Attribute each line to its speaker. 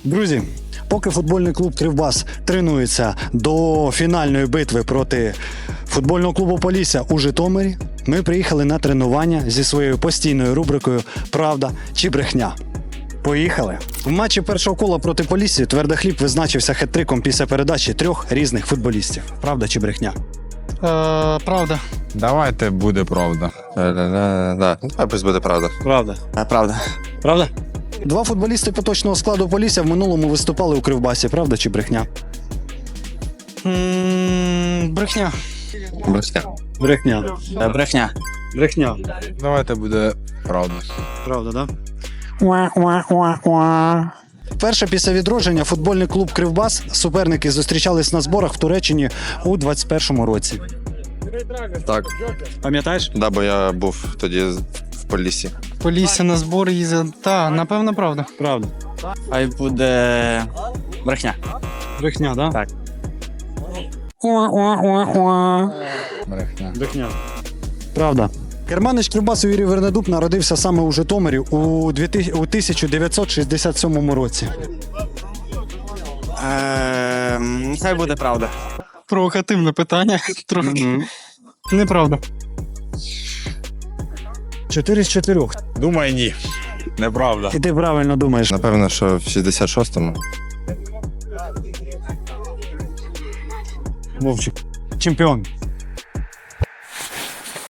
Speaker 1: Друзі, поки футбольний клуб «Кривбас» тренується до фінальної битви проти футбольного клубу «Полісся» у Житомирі, ми приїхали на тренування зі своєю постійною рубрикою «Правда чи брехня?». Поїхали! В матчі першого кола проти «Поліссі» Твердохліб визначився хет-триком після передачі 3 різних футболістів. Правда чи брехня?
Speaker 2: Правда.
Speaker 3: Давайте буде правда.
Speaker 4: Давай пусть буде правда.
Speaker 1: Правда.
Speaker 4: Правда.
Speaker 1: Правда? 2 футболісти поточного складу «Полісся» в минулому виступали у «Кривбасі». Правда чи брехня?
Speaker 2: Брехня.
Speaker 4: Брехня.
Speaker 1: Брехня.
Speaker 4: Брехня.
Speaker 1: Брехня.
Speaker 3: Давайте буде правда.
Speaker 1: Правда, да? Перше після відродження футбольний клуб «Кривбас» суперники зустрічались на зборах в Туреччині у 21-му році.
Speaker 4: Так.
Speaker 1: Пам'ятаєш?
Speaker 4: Да, бо я був тоді в Поліссі.
Speaker 2: Полісся на збори їздить. Та, напевно, правда.
Speaker 1: Правда.
Speaker 4: Хай буде брехня.
Speaker 1: Брехня, да?
Speaker 4: Так.
Speaker 3: Брехня.
Speaker 1: Брехня. Правда. Керманич «Кривбасу» Юрій Вернедуб народився саме у Житомирі у 1967 році.
Speaker 4: Хай буде правда.
Speaker 2: Провокативне питання. Трохи. Неправда.
Speaker 1: 4 з 4.
Speaker 3: Думаю, ні. Неправда.
Speaker 1: І ти правильно думаєш.
Speaker 4: Напевно, що в 66-му.
Speaker 1: Вовчик. Чемпіон.